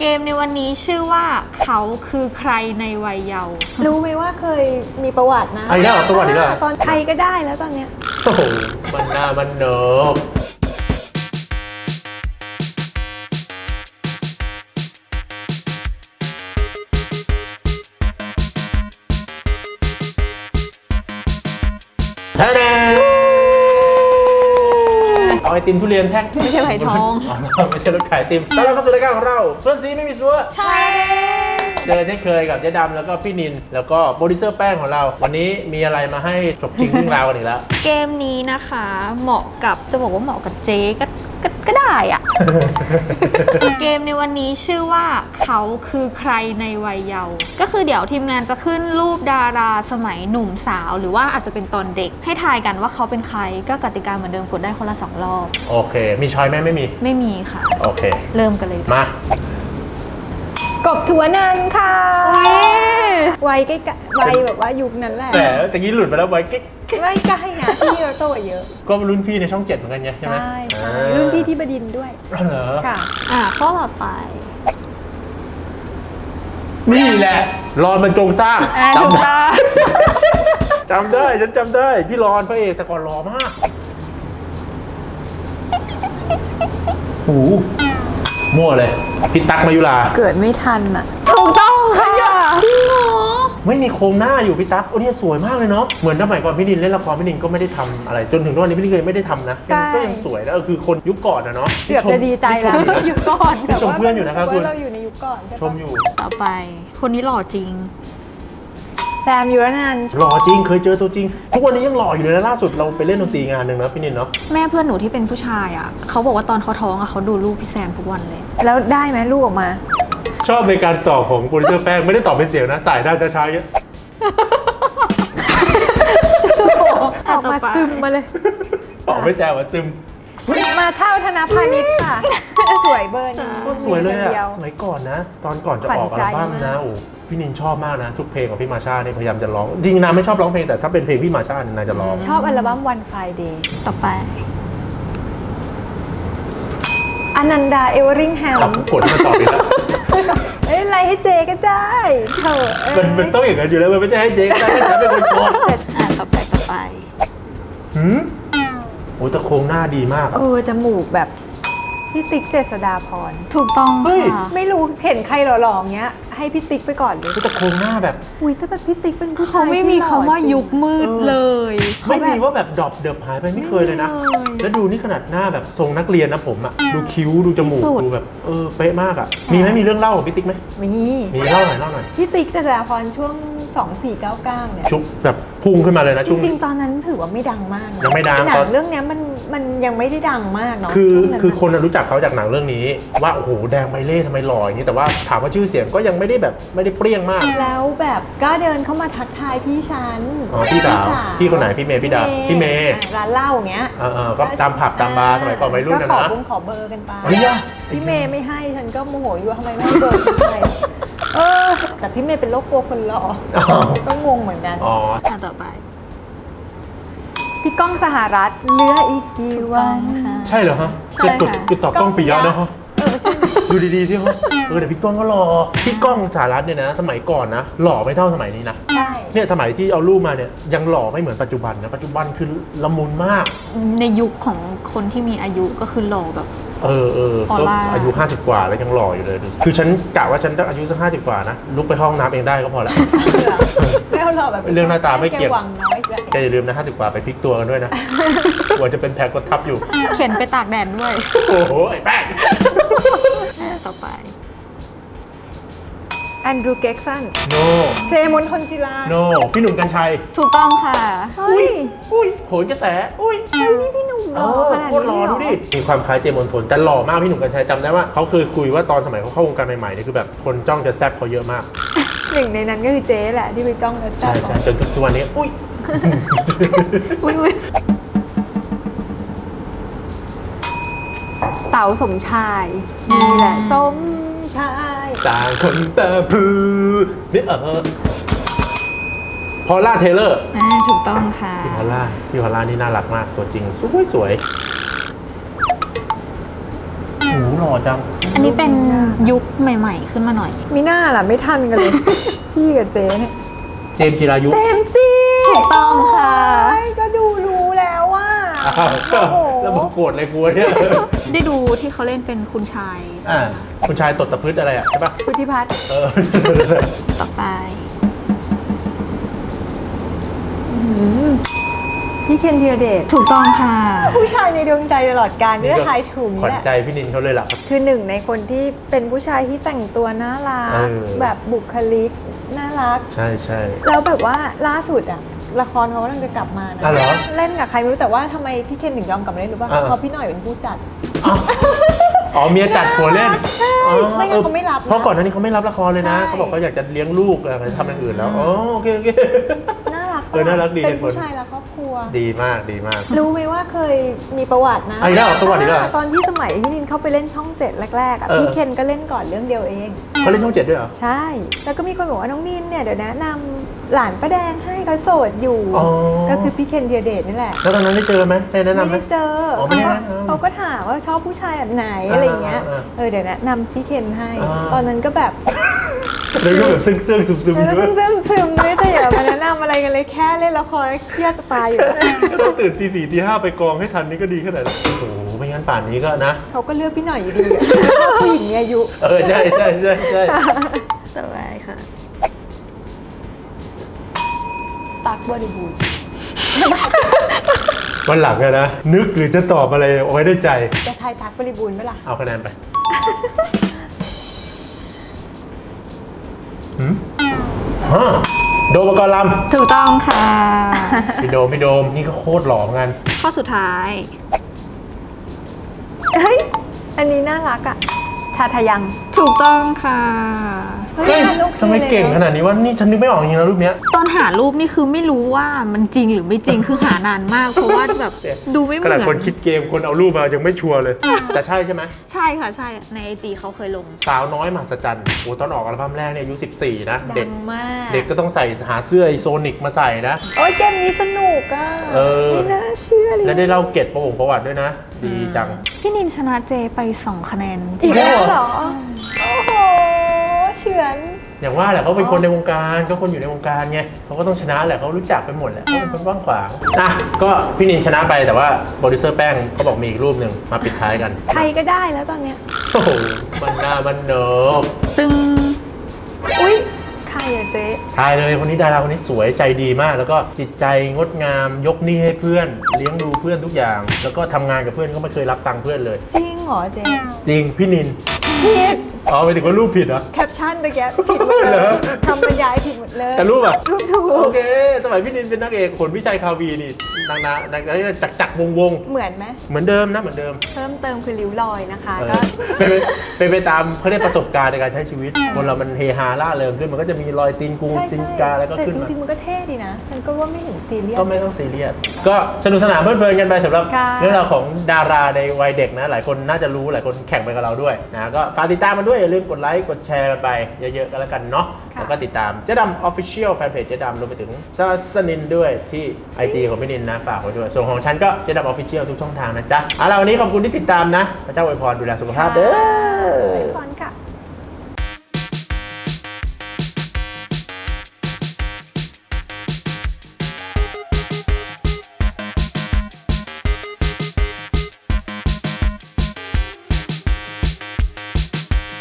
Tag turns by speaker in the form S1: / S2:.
S1: เกมในวันนี้ชื่อว่าเขาคือใครในวัยเยาว์
S2: รู้ไหมว่าเคยมีประวัตินะ
S3: ไอ้เนี่ยประวัติอีกแล้ว
S2: ตอนใครก็ได้แล้วตอนเนี้ย
S3: โอ้โหมันหน้ามันเนิบเอาไอติมทุเรียนแท่ง
S1: ไม่ใช่ไผ่ทอง
S3: ไม่ใช่รถขายไอติมแล้วเราก็สู่รายการของเราเพื่อนซีไม่มีซัวใช่เจอเช่นเคยกับเจ๊ดำแล้วก็พี่นินแล้วก็โปรดิวเซอร์แป้งของเราวันนี้มีอะไรมาให้จบจริงเรื่องราวกันอีกแล้ว
S1: เกมนี้นะคะเหมาะกับจะบอกว่าเหมาะกับเจ๊ก็ได้อะ เกมในวันนี้ชื่อว่าเขาคือใครในวัยเยาว์ก็คือเดี๋ยวทีมงานจะขึ้นรูปดาราสมัยหนุ่มสาวหรือว่าอาจจะเป็นตอนเด็กให้ทายกันว่าเขาเป็นใครก็กติกาเหมือนเดิมกดได้คนละ2 รอบ
S3: โอเคมีช้อยไหมไม่มี
S1: ค่ะ
S3: โอเค
S1: เริ่มกันเลย
S3: ม
S2: ากบสุวรรณค่ะวัยใกล้วัยแบบว่ายุคนั้นแหละ
S3: แต่ตะกี้หลุดไปแล้วไว้กิ๊ก
S2: ไม่ใกล้นะพี่เราโตเยอะ
S3: ก็รุ่นพี่ในช่อง7เหมือนกันไงใช่ไหม
S2: ใช่รุ่นพี่ที่บดินทร์ด้วย
S3: เหรอ
S2: ค่ะ
S1: ข้อต่อไป
S3: นี่แหละรอนมันจงสร้าง
S1: จำได้
S3: จำได้ฉันจำได้พี่รอนพระเอกแต่ก่อนหล่อมากโอ้มั่วเลยพี่ตั๊กมายุรา
S2: เกิดไม่ทันอ่ะ
S1: ถูกต้องค่ะจริงเหรอ
S3: ไม่มีโครงหน้าอยู่พี่ตั๊กโอ้เนี่ยสวยมากเลยเนาะเหมือนสมัยก่อนพี่นินเล่นละครพี่นินก็ไม่ได้ทำอะไรจนถึงตอนนี้พี่นินไม่ได้ทำนะก็ยังสวยแล้วคือคนยุคก่อนนะเนาะ
S2: เกือบจะดีใจแล้วยุคก่อน
S3: ชมเพื่อนอยู่นะครับคุณ
S2: เราอยู่ในยุคก่อน
S3: ชมอยู่
S1: ต่อไปคนนี้หล่อจริง
S2: แซมยุรนันท์
S3: หล่อจริงเคยเจอตัวจริงทุกวันนี้ยังหล่ออยู่เลยนะล่าสุดเราไปเล่นดนตรีงานหนึ่งนะพี่นินเนาะ
S1: แม่เพื่อนหนูที่เป็นผู้ชายอ่ะเขาบอกว่าตอนเขาท้องอ่ะเขาดูลูกพี่แซมทุกวันเลย
S2: แล้วได้ไหมลูกออกมา
S3: ชอบในการตอบของโปรดิวเซอร์แป้งไม่ได้ตอบเป็นเสียงนะสายหน้าจะช้าเยอะ
S2: ออกมาซึมมาเลย
S3: ตอบไม่แซวซึม
S2: มาเช่าธนพาณิชย์ค่ะสวยเบอร์นี้
S3: ก็สวยเลยอะสมัยก่อนนะตอนก่อนจะออกอัลบั้มนะโอ้พี่นินชอบมากนะทุกเพลงของพี่มาชาเนี่ยพยายามจะร้องจริงนะไม่ชอบร้องเพลงแต่ถ้าเป็นเพลงพี่มาชาเนี่ยนายจะร้อง
S2: ชอบอัลบั้ม One Friday
S1: ต่อไป
S2: อนันดาเอเวอริงแฮม
S3: กดมาตอบอีกแล้ว
S2: อะไรให้เจก็ได้เถอะ
S3: มันต้องอย่างนั้นอยู่แล้วมันไม่ใช่ให้เจก็ได้ให้ฉันเป็นคนโกง
S1: ต่อไป
S3: โอ้แต่โครงหน้าดีมาก
S2: จมูกแบบพี่ติ๊กเจษฎาพร
S1: ถูกต้องค่ะ
S2: ไม่รู้เห็นใครหล่อๆเงี้ยให้พี่ติ๊กไปก่อนเลย
S3: แต่โครงหน้าแบบ
S2: ถ้าแบบพี่ติ๊กเป็นผู้ชาย
S1: เขาไม่มีคำว่ายุคมืดเลย
S3: ไม่มีว่าแบบดรอปเดือบหายไปไม่เคยเลยนะแล้วดูนี่ขนาดหน้าแบบทรงนักเรียนนะผมอะดูคิ้วดูจมูกดูแบบเป๊ะมากอะมีเรื่องเล่าของพี่ติ๊กไหมมีเล่าหน่อย
S2: พี่ติ๊กเจษฎาพรช่วง2499เนี่ย
S3: ชุบแบบพุ่งขึ้นมาเลยนะ
S2: จริงๆตอนนั้นถือว่าไม่ดังมาก
S3: ยังไม่ดัง
S2: หนังเรื่องนี้มันยังไม่ได้ดังมากเนาะ
S3: คือคนรู้จักเขาจากหนังเรื่องนี้ว่าโอ้โหแดงใบเล่ทำไมหล่ออย่างนี้แต่ว่าถามว่าชื่อเสียงก็ยังไม่ได้แบบไม่ได้เปรี้ยงมาก
S2: แล้วแบบก็เดินเข้ามาทักทายพี่ฉัน
S3: พี่สาวพี่คนไหนพี่เมย์พี่ดาพี่เมย์
S2: ร้านเหล้าอย่างเงี้ย
S3: ก็ตามผับตามบาร์สมัยก่อนวัยรุ่นนะ
S2: ก็ขอเบอร์กันไปพี่เมย์ไม่ให้ฉันก็โมโหอยู่ทำไมไม่ให้เบอร์ไปแต่พี่เมย์เป็นโรคกลัวคนหล่อก็งงเหมือนกัน
S1: ต่อไป
S2: พี่ก้องสหรัฐเหลืออีกกี่วัน
S3: ใช่เหรอฮะจะตอบก้องปิยะนะฮะดูดีๆสิฮะแต่พี่ก้องก็หล่อพี่ก้องสหรัฐเนี่ยนะสมัยก่อนนะหล่อไม่เท่าสมัยนี้นะ
S2: ใช่
S3: เนี่ยสมัยที่เอารูปมาเนี่ยยังหล่อไม่เหมือนปัจจุบันนะปัจจุบันคือละมุนมาก
S1: ในยุคของคนที่มีอายุก็คือหล่อแบบ
S3: ก็อายุ50กว่าแล้วยังหล่ออยู่เลยคือฉันกะว่าฉันต้องอายุสัก50กว่านะลุกไปห้องน้ำเองได้ก็พอแล้ว
S2: ไม่เอาหล่อแบบ
S3: เรื่องหน้าตาไม่เกี่ยวแกอย่าลืมนะ50กว่าไปพลิกตัวกันด้วยนะกลัวจะเป็นแผลกดทับอยู่
S1: เขียนไปตากแดดด้วย
S3: โอ้โหไอ้แป้ง
S1: ต่อไป
S2: แอนดรูว์ เก็กสัน
S3: โน
S2: เจมนทนจิรา
S3: โนพี่หนุ่มกรรชัย
S1: ถูกต้องค่ะ
S3: อุ้ยโหนกระแสอุ้ย
S2: นี่พี่หนุ่มหล่อขนาดนี้
S3: หล่อดูดิมีความคล้ายเจมนทนแต่หล่อมากพี่หนุ่มกรรชัยจำได้ว่าเขาเคยคุยว่าตอนสมัยเขาเข้าวงการใหม่ๆนี่คือแบบคนจ้องจะแซบเขาเยอะมาก
S2: หนึ่งในนั้นก็คือเจ๊แหละที่ไปจ้องจะแซบ
S3: ใช่จนทุกวันนี้อุ้ย
S2: เต๋าสมชายนี่แหละสมชาย
S3: ต่างคนแต่พือนี่พอลล่าเทเลอร์
S1: ถูกต้องค่ะ
S3: พี่พอลล่านี่น่ารักมากตัวจริงสวยโอ้โหหล่อจัง
S1: อันนนี้เป็นยุคใหม่ๆขึ้นมาหน่อย
S2: มีหน้าล่ะไม่ทันกันเลย พี่กับเจ๊เนี่ย
S3: เจมส์จิรายุ
S2: เจมส์จี
S1: ถูกต้องค่ะ
S2: โอ้ยก็ดูรู้แล้วว่า
S3: อ้าว
S2: โอ้โห
S3: แล้วผมโกรธเลยกลัวเนี่ย
S1: ได้ดูที่เขาเล่นเป็นคุณชาย
S3: คุณชายตดตะพืชอะไรอ่ะใช่ปะ
S2: พุทธิพัฒน์
S3: เออ
S1: ต่อไป
S2: พี่เคนธีรเดช
S1: ถูกต้องค่ะ
S2: ผู้ชายในดวงใจตลอดกาลนี่ก็ทายถูก
S3: ขวัญ
S2: แหละ
S3: ใจพี่นินเขาเลยล่ะ
S2: คือหนึ่งในคนที่เป็นผู้ชายที่แต่งตัวน่ารัก
S3: เออ
S2: แบบบุคลิกน่ารัก
S3: ใช่ใช่
S2: แล้วแบบว่าล่าสุดอะละครเขากำลังจะกลับมานะ
S3: อ๋อเหรอ
S2: เล่นกับใครไม่รู้แต่ว่าทำไมพี่เคนถึงยอมกลับมาเล่นรู้ป่ะ
S3: อ่า
S2: เพราะพี่หน่อยเป็นผู้จัด
S3: อ้าวอ๋อเมียจัดหัวเล่น
S2: ใช่
S3: อ๋อ
S2: ไม่งั้นเขาไม่รับนะ
S3: เพราะก่อนหน้านี้เขาไม่รับละครเลยนะ
S2: ใช่
S3: เขาบอกเขาอยากจะเลี้ยงลูกอะไรทำอย่างอื่นแล้วอ๋อโอเคโอเค
S2: น่ารัก
S3: เออน่ารักดี
S2: เป็น
S3: เหตุผล
S2: ผู้ชายรักครอบครัว
S3: ดีมากดีมาก
S2: รู้ไหมว่าเคยมีประวัตินะ
S3: อ่ะอีกแล้วเหรอประวัติอีกแล้วเหรอ
S2: ตอนที่สมัยพี่นินเข้าไปเล่นช่องเจ็ดแรกๆอะ
S3: เออ
S2: พี่เคนก็เล่นก่อนเรื่องเดียวเอง
S3: เขาเล่นช่อง 7ด้วยเหรอ
S2: ใช่ แล้วก็มีคนบอกว่าน้องนินเนี่ยเดี๋ยวแนะนำหลานป้าแดงให้เขาโสดอยู่
S3: อ๋อ
S2: ก็คือพี่เคนธีรเดชนี่แหละ
S3: แล้วตอนนั้นได้เจอไหมได้แนะนำ
S2: ไม่
S3: ไหม
S2: ได้เจอ
S3: อ๋อไม่ได้แนะนำ
S2: เขาก็ถามว่าชอบผู้ชายแบบไหนอะไรอย่างเงี้ย เดี๋ยวแนะนำพี่เคนให้ ตอนนั้นก็แบบ
S3: เลยก็แบบซึ้งๆซึม
S2: แล้ว
S3: ๆด้วย
S2: ซึมๆไม่แต่อย่ามาแนะนำอะไรกันเลยแค่เล่นละครเครียดจะตายอยู่แล้ว
S3: ก็ต้องตื่นตี 4ตี 5ไปกองให้ทันนี่ก็ดีขนาดนั้นโอ้โหไม่งั้นป่านนี้ก็นะ
S2: เขาก็เลือกพี่หน่อยอยู่ดีอะชอบผู้หญิงมีอายุ
S3: เออใช่ใช่ใช่ใช่
S1: ต่อไปค่ะ
S2: ตักบริบูรณ์
S3: วันหลังอะนะนึกหรือจะตอบอะไรเอาไว้ได้ใจ
S2: จะทายตักบริบูรณ์ไหมล่ะ
S3: เอาคะแนนไปหืมฮะโดมปกรณ์ล
S1: ถูกต้องค่ะ
S3: ำพี่โดมนี่ก็โคตรหล่อเหมือนกัน
S1: ข้อสุดท้าย
S2: เฮ้ย อันนี้น่ารักอะทาทายัง
S1: ถูกต้องค่ะ
S3: เฮ้ย
S2: มันโอค
S3: ทำไมเก่งข
S2: ลย
S3: นาดนี้ว่านี่ฉันนึกไม่ออกจริงๆนะรูปเนี้ย
S1: ตอนหารูปนี่คือไม่รู้ว่ามันจริงหรือไม่จริงคือหานานมาก เพราะว่าแบบดูไม่เห
S3: ข
S1: มื
S3: นาด
S1: อน
S3: คนคิดเกมคนเอารูปมายังไม่ชัวร์เลย แต่ใช่ใช่ไหม
S1: ใช่ค่ะใช่ในไอจีเขาเคยลง
S3: สาวน้อยมหัศจรรย์โอ้ตอนออกอัลบั้มแรกเนี่ยอายุ14นะ
S2: ดั
S3: เด็ก
S2: งมาก
S3: เด็กก็ต้องใส่หาเสื้อไอโซนิกมาใส่นะ
S2: โอ้ยเกมนี้สนุกอะ
S3: เออ
S2: ไม่น่าเชื่อเลย
S3: และได้เล่าเกร็ดประวัติด้วยนะ ดีจัง
S1: พี่นินชนะเจไป 2 คะแนน
S2: อีกแล้วเหรอ โอ้โห เฉือน
S3: อย่างว่าแหละเขาเป็นคนในวงการเขาคนอยู่ในวงการไงเขาก็ต้องชนะแหละเขารู้จักไปหมดแหละเขาเป็นคนว่างขวางอ่ะก็พี่นินชนะไปแต่ว่าโปรดิวเซอร์แป้งเขาบอกมีอีกรูปหนึ่งมาปิดท้ายกัน
S2: ใครก็ได้แล้วตอนเนี้ย
S3: โอ้โหมันหน้ามันเนิบ
S1: ซึ่ง
S2: อุ๊ย ใครอะเจ๊
S3: ทายเลยคนนี้ดาราคนนี้สวยใจดีมาก แล้วก็จิตใจงดงามยกหนี้ให้เพื่อน เลี้ยงดูเพื่อนทุกอย่าง แล้วก็ทำงานกับเพื่อนก็ไม่เคยรับตังค์เพื่อนเลย
S2: จริงเหรอเจ๊
S3: จริงพี่นิน
S2: ผิด
S3: อ๋อไปถึงว่ารูปผิดเหรอ
S2: แคปชั่นเมื่อกี้ผิดหมดเล
S3: เหรอ
S2: ยทำบรรยายผิดหมดเลย
S3: แต่รูปอะ
S2: รูปถู
S3: โอก เค สมัยพี่นินเป็นนักเอกขนวิชัยคาวีนี่นางจักรวง
S2: เหมือนไหม
S3: เหมือนเดิมนะเหมือนเดิม
S2: เพิ่มเติมคือริ้วรอยนะคะ
S3: เออ
S2: ก็
S3: เป็นไปตามเขาเรียกประสบการณ์ในการใช้ชีวิต คนเรามันเฮฮาล่าเริงขึ้นมันก็จะมีรอยตีนกู
S2: ใช่
S3: ตีน
S2: ใช่
S3: กาแล้วก็
S2: แต่
S3: ขึ้น
S2: จ
S3: มา
S2: ริงๆมันก็เท่ดีนะฉันก็ว่าไม่เห็นซีเรียส
S3: ก็ไม่ต้องซีเรียสก็สนุกสนานเพลิดเพลินกันไปสำหรับ
S2: ค่ะ
S3: เรื่องราวของดาราในวัยเด็กนะ หลายคนน่าจะรู้หลายคนแข่งไปกับเราด้วยนะก็ฝากติดตามมันด้วยอย่าลืมกดไลค์กดแชร์กันไปเยอะๆกันแล้วกันเนาะแล้วก็ติดตามเจ๊ดำ Official Fanpage เจ๊ดำรวมไปถึงสนินด้วยที่ IG ของพี่นินนะฝากไว้ด้วยส่วนของฉันก็เจ๊ดำ Official ทุกช่องทางนะจ๊ะเอาล่ะวันนี้ขอบคุณที่ติดตามนะพระเจ้าอวยพรดูแลสุขภาพเด้อ
S2: ก่อนค่ะ